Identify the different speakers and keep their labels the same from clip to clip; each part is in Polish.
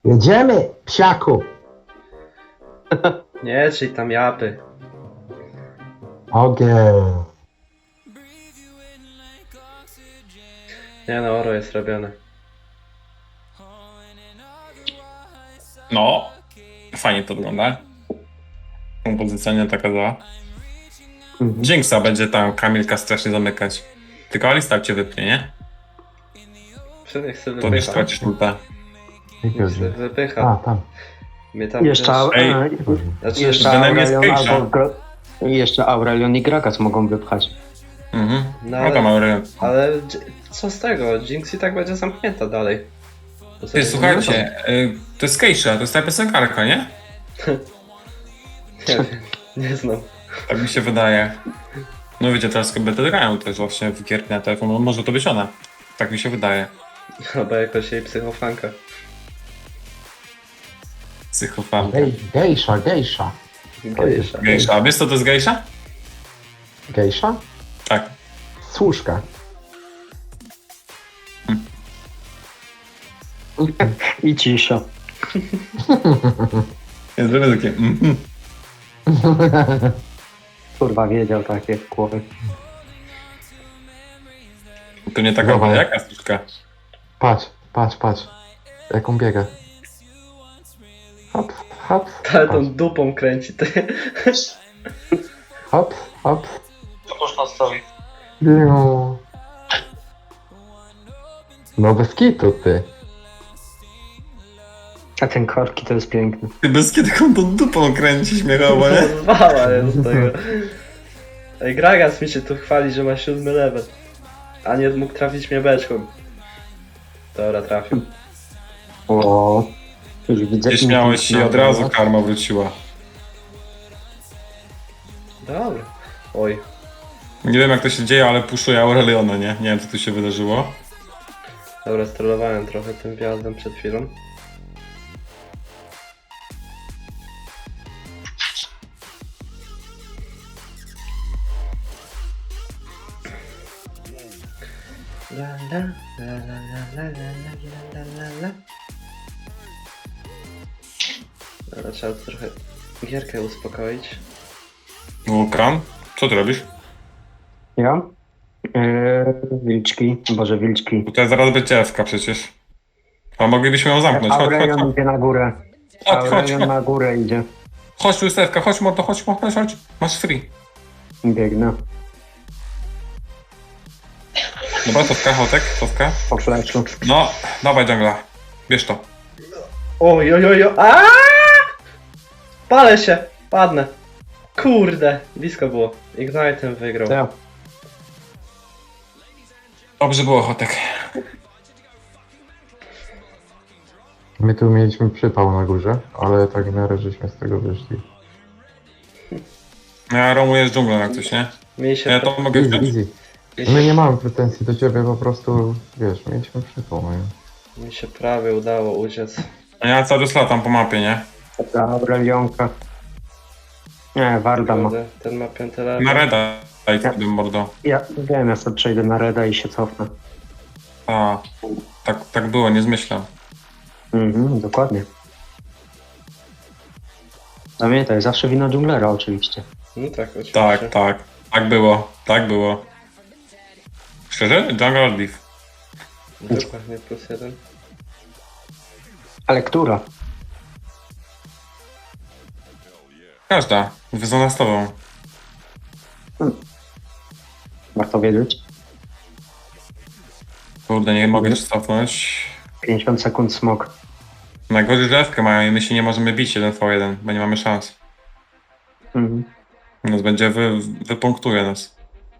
Speaker 1: Jedziemy, psiaku!
Speaker 2: Nie, czyli tam japy.
Speaker 1: Ogień.
Speaker 2: Nie no, oro jest robione.
Speaker 3: No, fajnie to wygląda. Kompozycja nie taka zła. Jinxa będzie tam Kamilka strasznie zamykać. Tylko Alistar cię wypnie, nie?
Speaker 2: Niech sobie
Speaker 3: To nie
Speaker 2: wypycha.
Speaker 3: stracisz multa.
Speaker 1: Jaki
Speaker 2: Niech sobie
Speaker 1: ogień?
Speaker 2: wypycha.
Speaker 1: A, tam.
Speaker 2: Mnie tam
Speaker 4: Jeszcze,
Speaker 2: też...
Speaker 3: Ej.
Speaker 2: Znaczy,
Speaker 4: jeszcze
Speaker 3: Venom jest
Speaker 4: Aurelion
Speaker 3: Keisha.
Speaker 4: jeszcze Aurelion i Gragas mogą wypchać.
Speaker 3: Mhm.
Speaker 2: No
Speaker 3: No tam
Speaker 2: ale,
Speaker 3: Aurelion.
Speaker 2: ale co z tego? Jinx i tak będzie zamknięta dalej. To sobie
Speaker 3: Ty, słuchajcie, to jest Keisha, to jest ta piosenkarka, nie?
Speaker 2: Nie wiem, nie znam.
Speaker 3: Tak mi się wydaje. No wiecie, teraz kobiety grają też właśnie w gierki na telefon, no, może to być ona. Tak mi się wydaje.
Speaker 2: Albo jakoś jej psychofanka.
Speaker 3: Psychofanka.
Speaker 1: Gejsza, gejsza.
Speaker 2: Gejsza.
Speaker 3: Gejsza, a wiesz co to jest gejsza?
Speaker 1: Gejsza?
Speaker 3: Tak.
Speaker 1: Służka.
Speaker 4: I cisza.
Speaker 3: Jest zrobię takie
Speaker 4: Kurwa wiedział takie kłowy.
Speaker 3: To nie taka
Speaker 1: Dawaj.
Speaker 3: jaka słuczka.
Speaker 1: Patrz, patrz, patrz. Jak on biega. Hop, hop.
Speaker 2: Ale
Speaker 1: Patrz.
Speaker 2: tą dupą kręci, ty.
Speaker 1: Hop, hop.
Speaker 4: Co można zrobić?
Speaker 1: Biu. No bez kitu, ty.
Speaker 4: A ten korki to jest piękny.
Speaker 3: Ty bez kiedy tą dupą kręci śmiechowo, nie?
Speaker 2: Zwała jest z tego. Ej, Gragas mi się tu chwali, że ma 7 level. A nie mógł trafić mnie beczką. Dobra, trafił.
Speaker 4: O, już widzę.
Speaker 3: Nie śmiałeś się i od razu karma wróciła.
Speaker 2: Dobra. Oj.
Speaker 3: Nie wiem jak to się dzieje, ale puszuję Aureliona, nie? Nie wiem co tu się wydarzyło.
Speaker 2: Dobra, strollowałem trochę tym wjazdem przed chwilą. La la la la la la la la la la. Dobra, trzeba trochę gierkę uspokoić.
Speaker 3: Wulkan, co ty robisz?
Speaker 4: Ja? Wilczki. Boże, wilczki.
Speaker 3: Tutaj zaraz będzie Ewka przecież. A moglibyśmy ją zamknąć. Chodź, chodź,
Speaker 4: Aurelion
Speaker 3: chodź.
Speaker 4: idzie na górę.
Speaker 3: Chodź, chodź,
Speaker 4: Aurelion
Speaker 3: chodź.
Speaker 4: na górę idzie.
Speaker 3: Chodź tu jest Ewka, chodź mordo, chodź, chodź, chodź. Masz free.
Speaker 4: Biegnę.
Speaker 3: Dobra, Towka, Hotek, Towka.
Speaker 4: Po fleczu.
Speaker 3: No, dawaj dżungla. Bierz to.
Speaker 2: Oj, oj, oj, oj. Aaaa! Palę się! Padnę. Kurde, blisko było. Ignite'em wygrał.
Speaker 4: Ja.
Speaker 3: Dobrze było, Hotek.
Speaker 1: My tu mieliśmy przypał na górze, ale tak w miarę żeśmy z tego wyszli.
Speaker 3: No ja romuję z dżunglą jak coś, nie?
Speaker 2: Mi się,
Speaker 3: Ja to mogę
Speaker 1: Easy,
Speaker 3: wziąć?
Speaker 1: easy. My nie mamy pretensji do ciebie, po prostu, wiesz, mieliśmy przypał. No i...
Speaker 2: mi się prawie udało uciec.
Speaker 3: A ja cały czas latam po mapie, nie?
Speaker 4: Ta Aurelionka. Nie, Warda ma.
Speaker 2: Kurde, ten ma 5 level.
Speaker 3: Na reda daj wtedy mordo.
Speaker 4: Ja wiem, ja sobie przejdę na Reda i się cofnę.
Speaker 3: A, tak było, nie zmyślam.
Speaker 4: Dokładnie. Pamiętaj, zawsze wina dżunglera oczywiście.
Speaker 2: No tak, oczywiście.
Speaker 3: Tak, tak. Tak było, tak było. Szczerze? Jungle or Leaf.
Speaker 2: Dokładnie, +1.
Speaker 4: Ale która?
Speaker 3: Każda. Wyznana z tobą.
Speaker 4: Warto wiedzieć.
Speaker 3: Kurde, nie mogę się cofnąć.
Speaker 4: 50 sekund smok.
Speaker 3: Najgorzej, że Ewkę mają i my się nie możemy bić 1v1, bo nie mamy szans.
Speaker 4: Mhm.
Speaker 3: Nas będzie wypunktuje nas.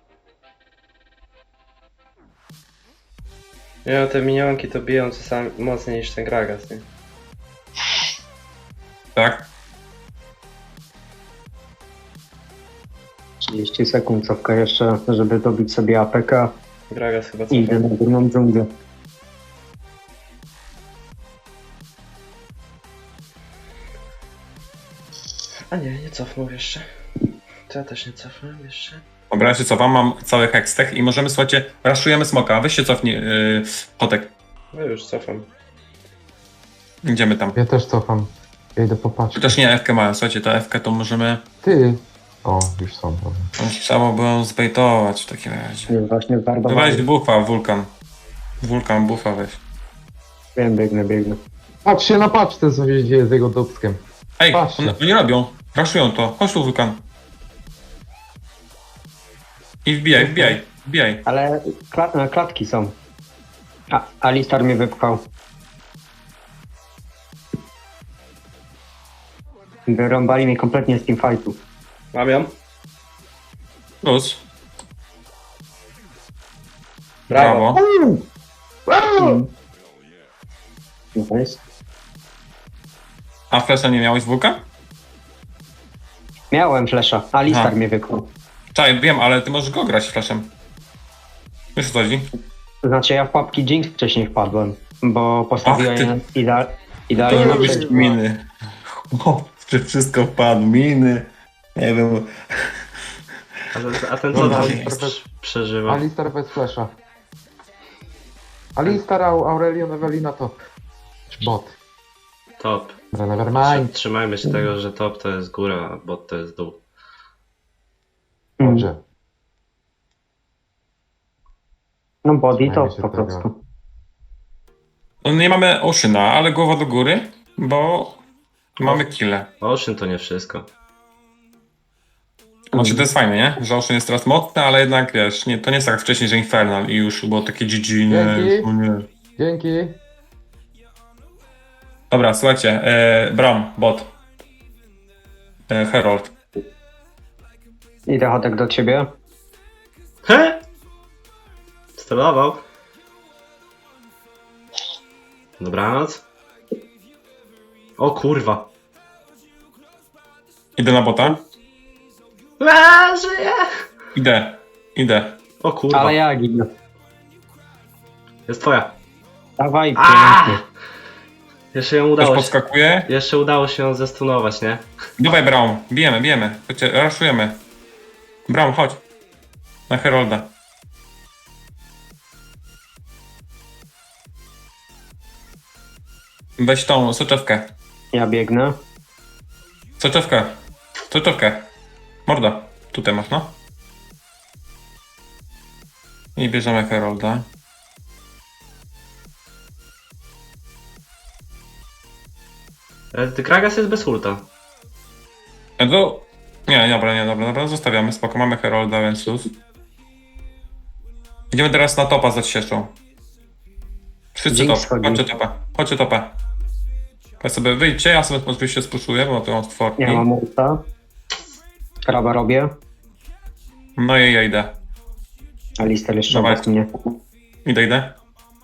Speaker 2: Nie no, te minionki to biją czasami mocniej niż ten Gragas, nie?
Speaker 3: Tak?
Speaker 4: 30 sekund cofka jeszcze, żeby dobić sobie APK
Speaker 2: Gragas chyba
Speaker 4: i idę
Speaker 2: cofa.
Speaker 4: na górną dżunglę.
Speaker 2: A nie, nie cofnął jeszcze. To ja też nie cofnąłem jeszcze.
Speaker 3: Dobra, ja się cofam, mam cały hextech i możemy, słuchajcie, raszujemy smoka. Weź się cofnij, Hotek.
Speaker 2: No już cofam.
Speaker 3: Idziemy tam.
Speaker 1: Ja też cofam. Ja idę popatrzeć.
Speaker 3: Chociaż nie, F-kę mają, słuchajcie, to F-kę to możemy...
Speaker 1: Ty! O, już są. Dobra.
Speaker 3: Trzeba by ją zbejtować w takim razie.
Speaker 4: Nie, właśnie
Speaker 3: Weź
Speaker 4: zbardowałem.
Speaker 3: bufa, wulkan. Wulkan, bufa weź.
Speaker 4: Wiem, biegnę.
Speaker 1: Patrzcie na paczce, co się dzieje z jego dupskiem.
Speaker 3: Ej,
Speaker 1: Patrzcie.
Speaker 3: oni robią. Raszują to. Chodź tu, wulkan. I wbijaj.
Speaker 4: Ale klatki są. Alistar mnie wypchał. Wyrąbali mnie kompletnie z teamfightu.
Speaker 2: Mam ją.
Speaker 3: Plus.
Speaker 2: Brawo.
Speaker 4: Nice.
Speaker 3: A flesza nie miałeś wulkan?
Speaker 4: Miałem flesza, Alistar
Speaker 3: Aha.
Speaker 4: mnie wypchał.
Speaker 3: Czaj, wiem, ale ty możesz go grać fleszem. Wiesz o co chodzi?
Speaker 4: To znaczy ja w pułapki Jinx wcześniej wpadłem, bo postawiłem
Speaker 3: Ach, ty-
Speaker 4: je idealnie
Speaker 3: To
Speaker 4: na
Speaker 3: robisz
Speaker 4: przejście.
Speaker 3: miny. O, że wszystko wpadł, miny. Nie wiem.
Speaker 2: A ten co
Speaker 1: Dobra,
Speaker 2: tam
Speaker 1: ale-
Speaker 2: przeżywa?
Speaker 1: Alistar bez flasha. Alistar, Aurelion, Ewelina to... Bot.
Speaker 2: Top.
Speaker 1: Dobra, nevermind.
Speaker 2: Trzymajmy się tego, że top to jest góra, a bot to jest dół.
Speaker 1: Dobrze.
Speaker 4: No body to
Speaker 1: Trzymajmy się
Speaker 4: po
Speaker 1: tego.
Speaker 4: prostu.
Speaker 3: No nie mamy Oceana, ale głowa do góry, bo mamy kille.
Speaker 2: Ocean to nie wszystko.
Speaker 3: Znaczy to jest fajne, nie? Że Ocean jest teraz mocny, ale jednak wiesz, nie, to nie jest tak jak wcześniej, że Infernal i już było takie GG, nie,
Speaker 1: Dzięki.
Speaker 3: już, nie.
Speaker 1: Dzięki.
Speaker 3: Dobra, słuchajcie, Bram, bot. Herald.
Speaker 4: Idę Chodek do ciebie.
Speaker 2: He? Sterował. Dobranoc. O kurwa.
Speaker 3: Idę na bota.
Speaker 2: Żyje!
Speaker 3: Idę.
Speaker 2: O kurwa.
Speaker 4: Ale ja ginę.
Speaker 2: Jest twoja.
Speaker 4: Dawaj,
Speaker 2: A!
Speaker 4: pięknie.
Speaker 2: Jeszcze ją
Speaker 3: Też
Speaker 2: udało się.
Speaker 3: podskakuje.
Speaker 2: Jeszcze udało się ją zestunować, nie?
Speaker 3: Dawaj Braum, bijemy. Chodźcie, raszujemy. Braum, chodź. Na Herolda. Weź tą soczewkę.
Speaker 4: Ja biegnę.
Speaker 3: Soczewkę. Morda. Tutaj masz, no. I bierzemy Herolda.
Speaker 2: Gragas jest bez ulta.
Speaker 3: Nie, dobra, zostawiamy, spoko, mamy Herolda, więc luz. Idziemy teraz na topa za cieszą. Wszyscy
Speaker 4: Jinx
Speaker 3: top,
Speaker 4: chodzi.
Speaker 3: chodźcie topa. Ja sobie wyjdźcie, ja sobie oczywiście spuszuję, bo to mam stworki.
Speaker 4: Ja mam ulta. Kraba robię.
Speaker 3: No i ja idę.
Speaker 4: Alistar jeszcze
Speaker 3: Dawaj.
Speaker 4: obok mnie.
Speaker 3: Idę.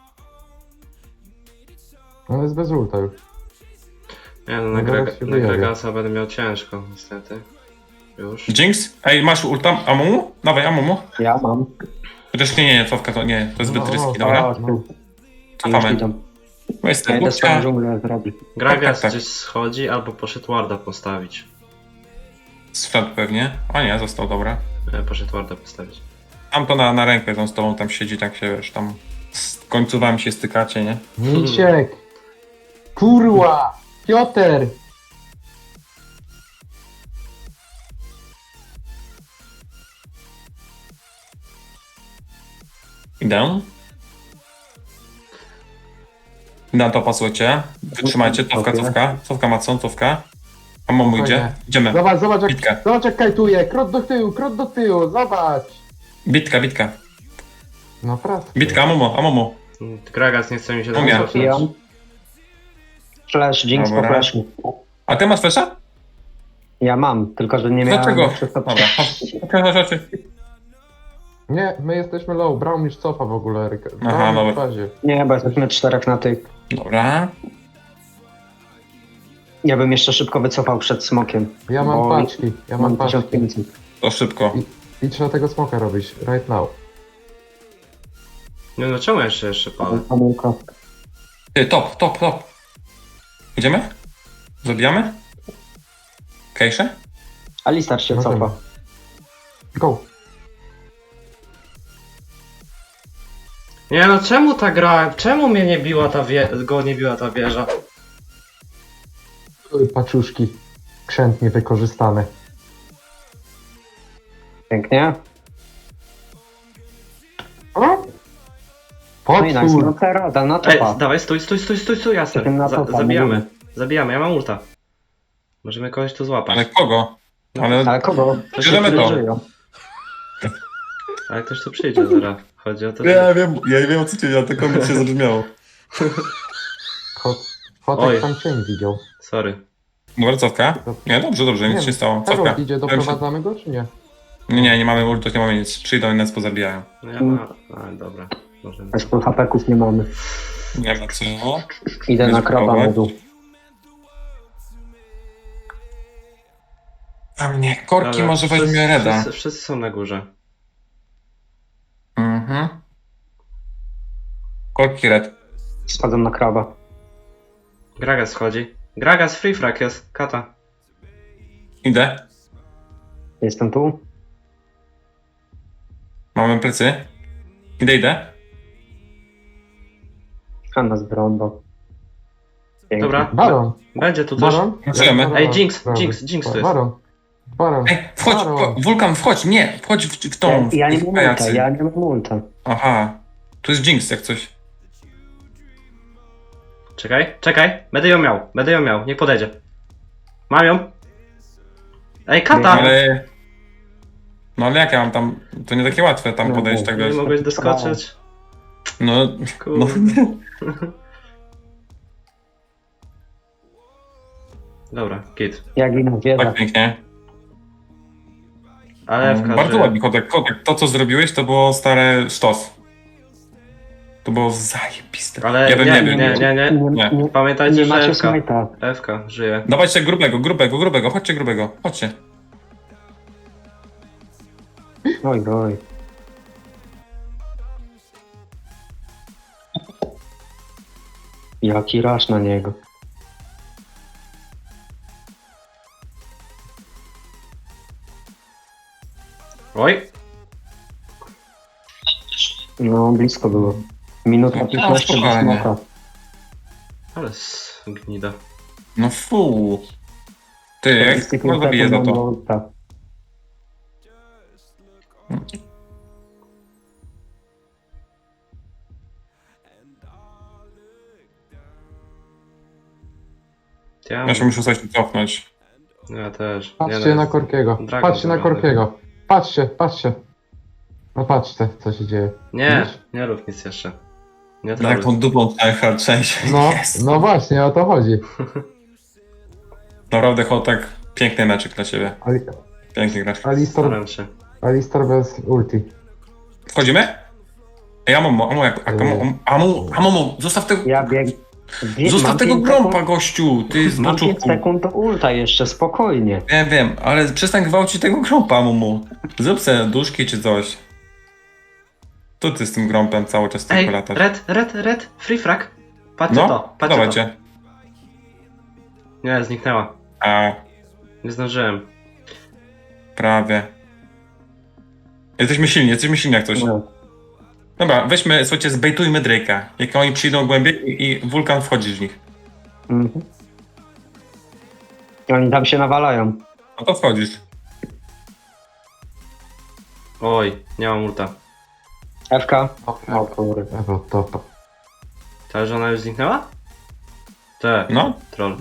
Speaker 1: On jest bez ulta już.
Speaker 2: Nie no,
Speaker 1: No zaraz się
Speaker 2: na
Speaker 1: wyjawi.
Speaker 2: Gragasa będę miał ciężko, niestety. Już.
Speaker 3: Jinx? Ej, masz ulta Amumu? Dawaj Amumu.
Speaker 4: Ja mam.
Speaker 3: Chociaż nie, cofka to nie, to jest zbyt
Speaker 1: No,
Speaker 3: ryski,
Speaker 1: no,
Speaker 3: dobra?
Speaker 4: O,
Speaker 1: No.
Speaker 4: tu.
Speaker 3: Cofamy.
Speaker 4: Już idą.
Speaker 3: Weź
Speaker 4: Ja
Speaker 3: sobie
Speaker 4: idę swoją
Speaker 3: bukcia.
Speaker 4: dżunglę zrobić.
Speaker 2: Gragas
Speaker 3: tak.
Speaker 2: gdzieś schodzi albo poszedł warda postawić.
Speaker 3: Strzedł pewnie. A nie, został, dobra.
Speaker 2: Poszedł warda postawić.
Speaker 3: Tam to na rękę, on z tobą tam siedzi, tak się wiesz, tam z końcówami się stykacie, nie?
Speaker 1: Misiek! Kurła! Piotr!
Speaker 3: Idę. Na to pasujecie. Wytrzymajcie, cofka Macon, cofka. A Momu idzie.
Speaker 1: Spokojnie.
Speaker 3: Idziemy.
Speaker 1: Zobacz
Speaker 3: Bitka.
Speaker 1: jak kajtuje! Krot do tyłu, zobacz!
Speaker 3: Bitka.
Speaker 1: No prosto.
Speaker 3: Bitka, Amomo.
Speaker 2: Gragas nie chce mi się
Speaker 3: Umiem.
Speaker 2: tam cofnąć.
Speaker 4: Wbijam. Flash, Jinx po
Speaker 3: Dobra.
Speaker 4: flashu.
Speaker 3: A ty masz flesza?
Speaker 4: Ja mam, tylko że nie miałem...
Speaker 3: Dlaczego?
Speaker 4: wszystko-
Speaker 3: Dobra, chodź.
Speaker 1: Nie, my jesteśmy low, Braum już cofa w ogóle.
Speaker 3: Aha,
Speaker 1: Braum
Speaker 3: dobra.
Speaker 1: w fazie.
Speaker 4: Nie, bo jesteśmy 4 na tych.
Speaker 3: Dobra.
Speaker 4: Ja bym jeszcze szybko wycofał przed smokiem.
Speaker 1: Ja mam
Speaker 4: bo
Speaker 1: paczki,
Speaker 4: Mam 1500.
Speaker 3: To szybko.
Speaker 1: I trzeba tego smoka robić, right now.
Speaker 2: Nie no, czemu jeszcze palę?
Speaker 4: Pomyłka.
Speaker 3: Ty, top. Idziemy? Zabijamy? Kejsze?
Speaker 4: Alistar się
Speaker 1: Możemy.
Speaker 4: cofa.
Speaker 1: Go!
Speaker 2: Nie no, czemu ta gra, czemu mnie nie biła ta go nie biła ta wieża?
Speaker 1: Paczuszki krzętnie wykorzystane.
Speaker 4: Pięknie.
Speaker 1: O!
Speaker 4: No i nice. No
Speaker 1: Potwór!
Speaker 4: teraz, na
Speaker 2: Ej,
Speaker 4: topa.
Speaker 2: dawaj, stój, jasne.
Speaker 4: Czekam na topa,
Speaker 2: Zabijamy.
Speaker 4: mówimy.
Speaker 2: Zabijamy, ja mam ulta. Możemy kogoś tu złapać.
Speaker 3: Ale kogo? Ale
Speaker 4: Ale kogo?
Speaker 3: bierzemy to.
Speaker 4: Żyją.
Speaker 2: Ale ktoś tu przyjdzie zaraz. Chodzi o to,
Speaker 3: Ja wiem o co ci, tylko mi się zabrzmiało.
Speaker 1: Kotek
Speaker 2: Oj.
Speaker 1: tam cień widział.
Speaker 2: Sorry.
Speaker 3: Dobra, cofka? Nie, dobrze, nic się nie stało. Cofka.
Speaker 1: Karol idzie, doprowadzamy go czy nie?
Speaker 3: Nie mamy ultów, nie mamy nic. Przyjdą i nas pozabijają.
Speaker 2: No ja mam... A, dobra. Możemy.
Speaker 4: Bez full hapeków nie mamy.
Speaker 3: Nie ma co.
Speaker 4: Idę na
Speaker 3: Bez
Speaker 4: krowa
Speaker 3: próbować.
Speaker 4: modu.
Speaker 3: A mnie, korki
Speaker 2: Dobra,
Speaker 3: może weźmie Reda.
Speaker 2: Wszyscy są na górze.
Speaker 3: Mhm. Korki Red.
Speaker 4: Schodzą na krowa.
Speaker 2: Gragas wchodzi. Gragas, free frag jest. Kata.
Speaker 3: Idę.
Speaker 4: Jestem tu.
Speaker 3: Mamy plecy. Idę.
Speaker 4: A nas brąbo. Pięknie.
Speaker 2: Dobra.
Speaker 1: Baron!
Speaker 2: Będzie tu coś.
Speaker 1: Baron?
Speaker 3: Pracujemy.
Speaker 1: Baron,
Speaker 2: Ej, Jinx,
Speaker 1: Baron.
Speaker 2: Jinx tu jest.
Speaker 1: Baron.
Speaker 3: Ej, wchodź,
Speaker 1: Baron.
Speaker 3: Wulkan, wchodź, nie, wchodź w tą.
Speaker 4: Ja nie
Speaker 3: w
Speaker 4: mam
Speaker 3: pajacy.
Speaker 4: ulta, ja nie mam ulta.
Speaker 3: Aha. Tu jest Jinx jak coś.
Speaker 2: Czekaj. Będę ją miał. Niech podejdzie. Mam ją. Ej, Kata!
Speaker 3: Ale... No ale jak ja mam tam... To nie takie łatwe tam
Speaker 4: No,
Speaker 3: podejść, tak
Speaker 2: Nie
Speaker 3: wiesz.
Speaker 2: mogłeś doskoczyć.
Speaker 3: No... No...
Speaker 2: Kurde. Dobra, git.
Speaker 4: Jak inna wiedza.
Speaker 3: Tak pięknie.
Speaker 2: Ale w
Speaker 3: Bardzo ładnie, Kotek. To co zrobiłeś to było stare sztos. To było zajebiste.
Speaker 2: Ale
Speaker 3: Ja bym
Speaker 2: nie.
Speaker 3: Nie.
Speaker 2: Pamiętajcie,
Speaker 4: Nie
Speaker 2: że
Speaker 4: macie
Speaker 2: FK.
Speaker 4: smajta.
Speaker 2: FK żyje.
Speaker 3: Dawajcie grubego, chodźcie grubego, chodźcie.
Speaker 4: Oj. Jaki rasz na niego.
Speaker 2: Oj,
Speaker 4: No, blisko było. Minuta 15 do
Speaker 3: spokojnie.
Speaker 4: smoka.
Speaker 2: ale gnida.
Speaker 3: No fu. Ty, jak no zabiję za to. Ja się muszę coś cofnąć.
Speaker 2: Ja też.
Speaker 1: Patrzcie na Korkiego.
Speaker 2: Dragon
Speaker 1: Patrzcie na
Speaker 2: zobaczy.
Speaker 1: Korkiego. Patrzcie. No patrzcie, co się dzieje.
Speaker 2: Nie rób nic jeszcze. Nie
Speaker 3: Jak
Speaker 2: troluj.
Speaker 3: tą dupą hard część.
Speaker 1: No,
Speaker 3: Yes.
Speaker 1: no właśnie, o to chodzi.
Speaker 3: Naprawdę Kotek, piękny meczyk dla ciebie. Piękny gracz.
Speaker 2: Staram się.
Speaker 1: Alistar bez ulti.
Speaker 3: Wchodzimy? Ej, Amomo, zostaw tego...
Speaker 4: Ja bieg...
Speaker 3: Zostaw
Speaker 4: mam
Speaker 3: tego
Speaker 4: 5
Speaker 3: grąpa,
Speaker 4: sekund-
Speaker 3: gościu! Ty z
Speaker 4: Mam 5
Speaker 3: boczówku.
Speaker 4: sekund do ulta jeszcze, spokojnie.
Speaker 3: Wiem, ale przestań gwałcić tego grąpa, Amomo. Zrób sobie duszki czy coś. Tu ty z tym grąpem cały czas
Speaker 2: Ej,
Speaker 3: tylko latasz.
Speaker 2: red, free frag. Patrzcie
Speaker 3: No,
Speaker 2: to, patrzcie to.
Speaker 3: dawajcie.
Speaker 2: Nie, zniknęła.
Speaker 3: A,
Speaker 2: Nie zdążyłem.
Speaker 3: prawie. Jesteśmy silni jak coś.
Speaker 4: No.
Speaker 3: Dobra, weźmy, słuchajcie, zbejtujmy Drake'a. Jak oni przyjdą głębiej i Wulkan wchodzi w nich.
Speaker 4: Mhm. Oni tam się nawalają.
Speaker 3: No to wchodzisz.
Speaker 2: Oj, nie mam ulta.
Speaker 4: FK? O kurde.
Speaker 1: Ewo, topa.
Speaker 2: Ta żona już zniknęła?
Speaker 3: No.
Speaker 2: Troll.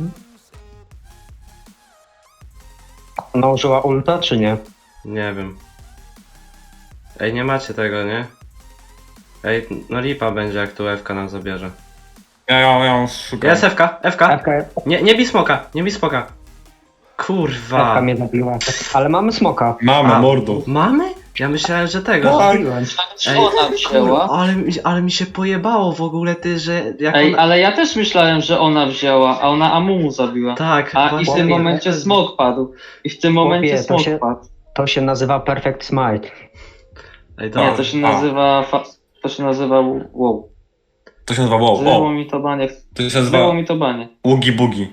Speaker 4: Ona użyła ulta, czy nie?
Speaker 2: Nie wiem. Ej, nie macie tego, nie? Ej, no lipa będzie jak tu FK nam zabierze.
Speaker 3: Ja już szukam.
Speaker 2: Jest FK.
Speaker 4: FK,
Speaker 2: Nie bij smoka. Kurwa.
Speaker 4: FK mnie zabiła. Ale mamy smoka.
Speaker 3: Mamy,
Speaker 2: A.
Speaker 3: mordo.
Speaker 2: Mamy? Ja myślałem, że tego.
Speaker 3: Tak.
Speaker 4: Zabiłem.
Speaker 2: Ej,
Speaker 5: Ona wzięła.
Speaker 2: ale mi się pojebało w ogóle ty, że jak
Speaker 5: Ej,
Speaker 2: ona...
Speaker 5: ale ja też myślałem, że ona wzięła, a ona Amumu zabiła.
Speaker 2: Tak,
Speaker 5: A i w
Speaker 2: właśnie.
Speaker 5: tym momencie smok padł. I w tym momencie
Speaker 4: Chłopie, to
Speaker 5: smok
Speaker 4: się-
Speaker 5: padł.
Speaker 4: To się nazywa Perfect Smite.
Speaker 2: Ej,
Speaker 5: Nie,
Speaker 2: dobra.
Speaker 5: to się nazywa... To się nazywa... Wow.
Speaker 3: To się nazywa wow.
Speaker 5: Zryło
Speaker 3: O,
Speaker 5: mi to banie.
Speaker 3: to się
Speaker 5: Zryło
Speaker 3: nazywa
Speaker 5: mi to banie.
Speaker 3: Ługi Bugi.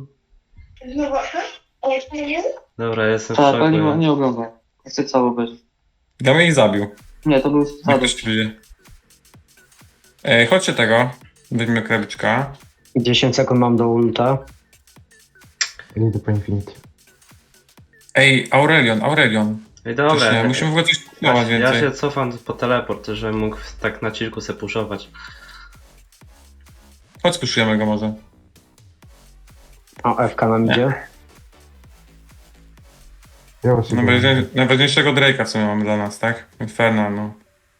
Speaker 2: Dobra, jestem w
Speaker 5: Tak,
Speaker 2: szoku.
Speaker 5: ale nie oglądaj. Chcę cały obejrzeć.
Speaker 3: Ja mnie ich zabił.
Speaker 5: Nie, to był
Speaker 3: Jak
Speaker 5: wsadek.
Speaker 3: ktoś ci wyjdzie. Chodźcie tego. Weźmy krabiczka.
Speaker 4: 10 sekund mam do ulta.
Speaker 1: Ja idę po Infinity.
Speaker 3: Ej, Aurelion.
Speaker 2: Ej,
Speaker 3: Też
Speaker 2: dobra.
Speaker 3: nie, musimy w ogóle coś kupować
Speaker 2: Ja
Speaker 3: więcej.
Speaker 2: się cofam po teleport, żebym mógł tak na chillku se puszować.
Speaker 3: Chodź, puszujemy go może.
Speaker 4: O, FK nam idzie.
Speaker 1: Ja właśnie
Speaker 3: Najważniejszego Drake'a w sumie mamy dla nas, tak? Inferno, no.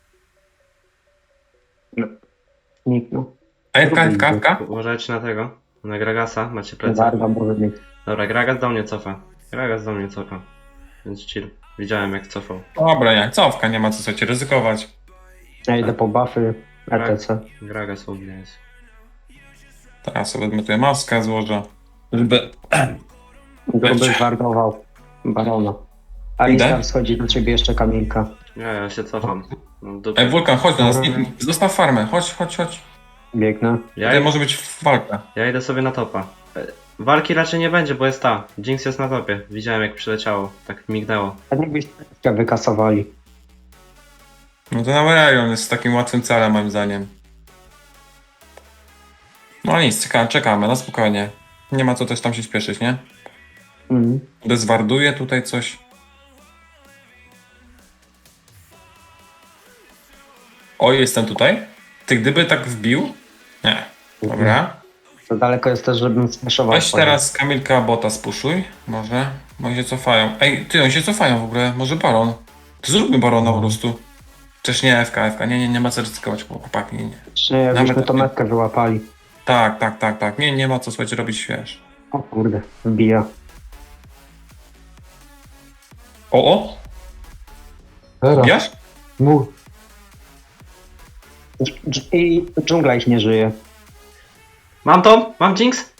Speaker 4: Nikt, no.
Speaker 3: AFK.
Speaker 2: Uważajcie na tego. Na Gragasa, macie plecy.
Speaker 4: Warda może być.
Speaker 2: Dobra, Gragas do mnie cofa. Gragas do mnie cofa. Więc chill. Widziałem jak cofał.
Speaker 3: Dobra, nie, cofka, nie ma co sobie ryzykować.
Speaker 4: Ja idę po buffy, RTC.
Speaker 2: Gragas u mnie jest.
Speaker 3: Teraz sobie odmytuję maskę, złożę. Żeby...
Speaker 4: Gruby zwardował Barona. Alistar schodzi do ciebie jeszcze Kamilka.
Speaker 2: Ja się cofam. No,
Speaker 3: Ej, Wulkan, chodź do nas, zostaw farmę, chodź.
Speaker 4: Biegnę.
Speaker 3: Tutaj może być walka.
Speaker 2: Ja idę sobie na topa. Walki raczej nie będzie, bo jest ta. Jinx jest na topie. Widziałem jak przyleciało. Tak mignęło.
Speaker 4: A jakbyś wykasowali.
Speaker 3: No to Aurelion jest takim łatwym celem, moim zdaniem. No nic, czekamy, na spokojnie. Nie ma co też tam się śpieszyć, nie? Dezwarduje tutaj coś. O, jestem tutaj. Ty gdyby tak wbił? Nie. Dobra.
Speaker 4: To daleko jest też, żebym smashował.
Speaker 3: Weź teraz Kamilka bota spuszuj. Może. Bo oni się cofają. Ej, ty, oni się cofają w ogóle. Może Baron. To zróbmy Barona po prostu. Przecież nie FK. Nie ma co ryzykować, chłopaki. Nie.
Speaker 4: Nie, jakbyśmy
Speaker 3: Nawet-
Speaker 4: to metkę wyłapali.
Speaker 3: Tak. Nie ma co, słuchajcie, robić wiesz.
Speaker 4: O kurde, wbija.
Speaker 3: O!
Speaker 1: Teraz.
Speaker 3: Wbijasz?
Speaker 1: Mów.
Speaker 4: I dżungla ich nie żyje.
Speaker 2: Mam to? Mam Jinx?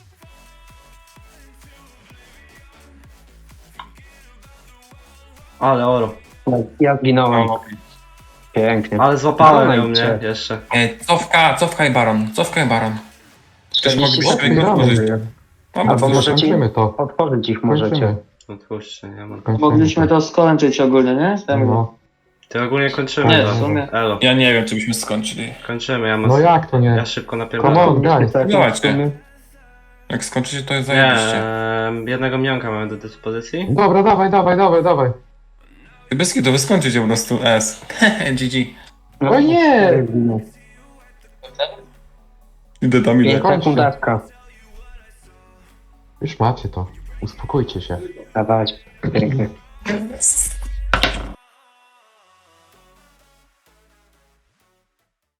Speaker 2: Ale oro.
Speaker 4: Ja zginąłem.
Speaker 3: O.
Speaker 4: Pięknie.
Speaker 2: Ale złapałem
Speaker 4: Dobra,
Speaker 2: ją, nie?
Speaker 4: idźcie.
Speaker 2: Jeszcze.
Speaker 3: Cofka i Baron. Też
Speaker 4: 40
Speaker 3: moglibyśmy
Speaker 4: sekund.
Speaker 3: ich otworzyć.
Speaker 4: Albo
Speaker 3: Dobra,
Speaker 4: może-
Speaker 1: Kończymy to.
Speaker 4: Otworzyć ich możecie.
Speaker 1: Kończymy.
Speaker 2: Otwórzcie, ja mam.
Speaker 1: Kończymy
Speaker 5: Mogliśmy to skończyć ogólnie, nie?
Speaker 1: No.
Speaker 2: Ty ogólnie kończymy
Speaker 5: Nie,
Speaker 2: to.
Speaker 5: w sumie.
Speaker 2: Elo.
Speaker 3: Ja nie wiem, czy byśmy skończyli.
Speaker 2: Kończymy, ja mam.
Speaker 1: No jak to nie?
Speaker 2: Ja szybko
Speaker 1: Come
Speaker 2: napierdalam.
Speaker 1: on, guys.
Speaker 3: Dawajcie. Jak skończycie, to jest
Speaker 2: Nie,
Speaker 3: zajebiście.
Speaker 2: jednego mionka mamy do dyspozycji.
Speaker 1: Dobra, dawaj.
Speaker 3: Ty bez kitu, wy skończycie po prostu S. GG.
Speaker 1: O nie!
Speaker 3: Idę tam, idę.
Speaker 4: 5 sekund dawka.
Speaker 1: Już macie to. Uspokójcie się.
Speaker 4: Dawać. Pięknie.
Speaker 3: Yes.